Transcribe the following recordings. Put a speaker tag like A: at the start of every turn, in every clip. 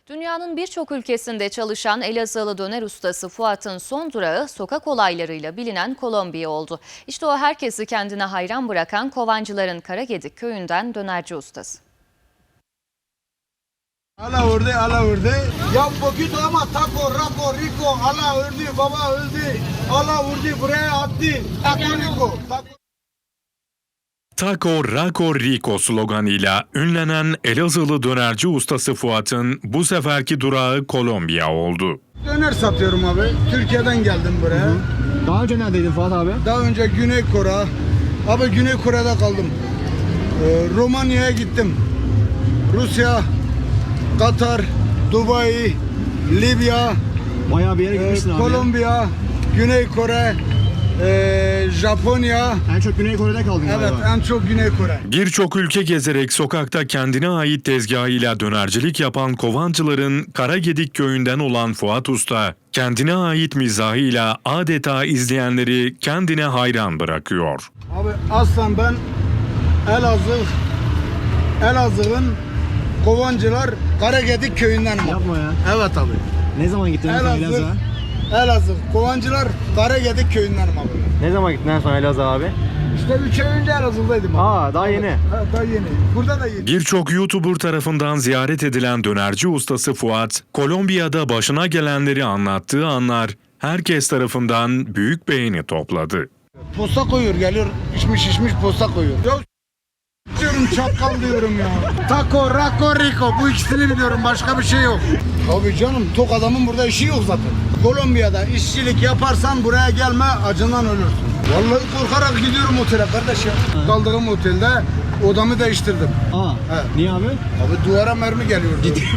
A: Dünyanın birçok ülkesinde çalışan Elazığlı döner ustası Fuat'ın son durağı sokak olaylarıyla bilinen Kolombiya oldu. İşte o herkesi kendine hayran bırakan Kovancıların Karagedik köyünden dönerci ustası.
B: Ala ördü. Ya poquito ama taco, raco, rico, ala ördü, baba öldü. Ala vurdu, buraya attı. Taco rico.
C: Taco Raco Rico sloganıyla ünlenen Elazığlı dönerci ustası Fuat'ın bu seferki durağı Kolombiya oldu.
B: Döner satıyorum abi. Türkiye'den geldim buraya.
D: Daha önce neredeydin Fuat abi?
B: Daha önce Güney Kore. Abi Güney Kore'de kaldım. Romanya'ya gittim. Rusya, Katar, Dubai, Libya,
D: Bayağı bir yere gitmişsin abi.
B: Kolombiya, Güney Kore, Japonya.
D: En çok Güney Kore'de kaldın
B: Evet,
D: galiba.
B: en çok Güney Kore.
C: Birçok ülke gezerek sokakta kendine ait tezgahıyla dönercilik yapan Kovancıların Karagedik köyünden olan Fuat Usta, kendine ait mizahıyla adeta izleyenleri kendine hayran bırakıyor.
B: Abi aslan ben Elazığ'ın Kovancılar Karagedik köyündenim.
D: Yapma ya.
B: Evet abi.
D: Ne zaman gittin en son Elazığ'a?
B: Elazığ Kovancılar Karagedik köyündenim abi.
D: Ne zaman gittin en son Elazığ'a abi?
B: İşte 3 ay önce Elazığ'daydım abi.
D: Daha yeni.
B: Ha, daha yeni. Burada da yeni.
C: Birçok YouTuber tarafından ziyaret edilen dönerci ustası Fuat, Kolombiya'da başına gelenleri anlattığı anlar herkes tarafından büyük beğeni topladı.
B: Posta koyuyor geliyor. İçmiş posta koyuyor. Ya diyorum çakal diyorum ya. Taco, raco, rico. Bu ikisini biliyorum. Başka bir şey yok. Abi canım tok adamın burada işi yok zaten. Kolombiya'da işçilik yaparsan buraya gelme acından ölürsün. Vallahi korkarak gidiyorum otele kardeş ya. Kaldığım otelde odamı değiştirdim.
D: Niye abi?
B: Abi duvara mermi geliyordu.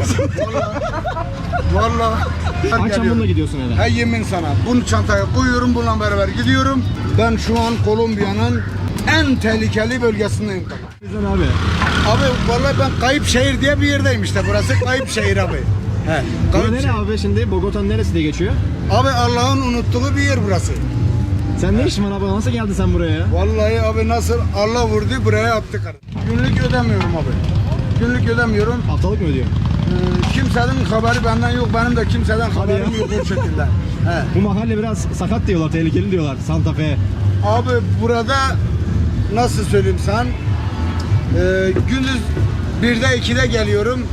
B: Vallahi.
D: Akşam bununla gidiyorsun eve.
B: He yemin sana. Bunu çantaya koyuyorum, bununla beraber gidiyorum. Ben şu an Kolombiya'nın en tehlikeli bölgesindeyim.
D: Güzel abi.
B: Abi vallahi ben Kayıp Şehir diye bir yerdeyim işte. Burası Kayıp Şehir abi. He.
D: Bura
B: Kayıp
D: nere
B: Şehir.
D: abi şimdi? Bogota'nın neresi diye geçiyor?
B: Abi Allah'ın unuttuğu bir yer burası.
D: Sen ne işin var abi? Nasıl geldin sen buraya ya?
B: Vallahi abi nasıl Allah vurdu buraya attı karı. Günlük ödemiyorum abi. Günlük ödemiyorum.
D: Haftalık mı ödüyorsun?
B: Kimsenin haberi benden yok. Benim de kimseden haberim
D: ya.
B: yok o şekilde. He.
D: Bu mahalle biraz sakat diyorlar, tehlikeli diyorlar. Santa Fe.
B: Abi burada nasıl söyleyeyim sen? Gündüz 1'de 2'de geliyorum.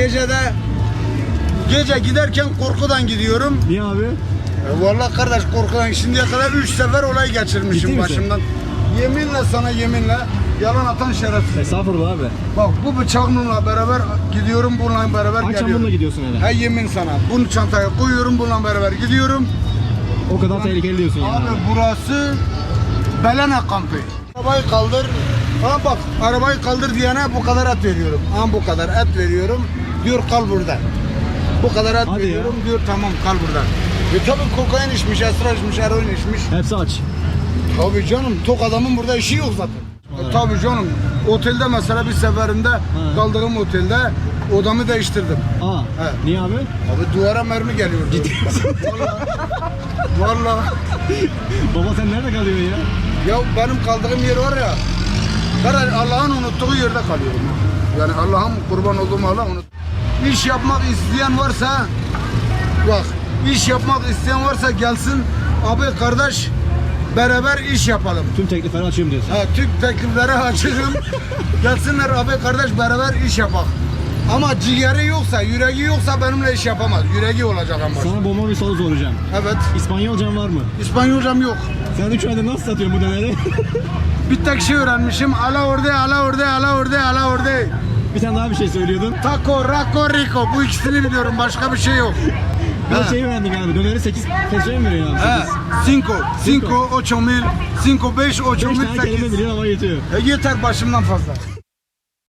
B: Gece giderken korkudan gidiyorum.
D: Niye abi?
B: Vallahi kardeş korkudan şimdiye kadar 3 sefer olay
D: Ciddi
B: geçirmişim
D: misin?
B: başımdan. Yeminle sana yeminle yalan atan şerefsiz.
D: Estağfurullah abi.
B: Bak bu bıçağımla beraber gidiyorum, bununla beraber
D: Akşam
B: geliyorum.
D: bununla gidiyorsun eve.
B: He yemin sana. Bunu çantaya koyuyorum, bununla beraber gidiyorum.
D: O kadar tehlikeli diyorsun yani.
B: Abi burası Belene kampı. Arabayı kaldır. Ha bak arabayı kaldır diyene bu kadar et veriyorum. Ha bu kadar et veriyorum. Diyor kal burada. Bu kadar et
D: Hadi
B: veriyorum diyor tamam kal burada. Tabii kokain içmiş, esrar içmiş, eroin içmiş.
D: Hepsi aç.
B: Tabii canım tok adamın burada işi yok zaten. Tabii canım. Otelde mesela bir seferinde kaldığım otelde odamı değiştirdim. He.
D: Niye abi?
B: Abi duvara mermi geliyordu.
D: Ciddi misin?
B: Vallahi.
D: Baba sen nerede kalıyorsun ya?
B: Ya benim kaldığım yer var ya. Ben Allah'ın unuttuğu yerde kalıyorum. Yani Allah'ın kurban olduğum Allah unut. İş yapmak isteyen varsa bak iş yapmak isteyen varsa gelsin abi kardeş beraber iş yapalım.
D: Tüm teklifleri açıyorum diyorsun.
B: Tüm teklifleri açırım. Gelsinler abi kardeş beraber iş yapak. Ama ciğeri yoksa, yüreği yoksa benimle iş yapamaz. Yüreği olacak ama.
D: Sana bomba bir soru soracağım.
B: Evet.
D: İspanyolcan var mı?
B: İspanyolcam yok.
D: Sen 3 ayda nasıl satıyorsun bu döneri?
B: Bir tek şey öğrenmişim. Ala orde.
D: Bir tane daha bir şey söylüyordun.
B: Taco, raco, rico. Bu ikisini biliyorum. Başka bir şey yok.
D: Bir de şey öğrendik abi. Döneri 8 pesoya mı veriyorsun abi?
B: 5, 8 mil, 5, 8
D: 5
B: mil,
D: tane kelime
B: 8.
D: biliyorsun ama yetiyor.
B: Yeter başımdan fazla.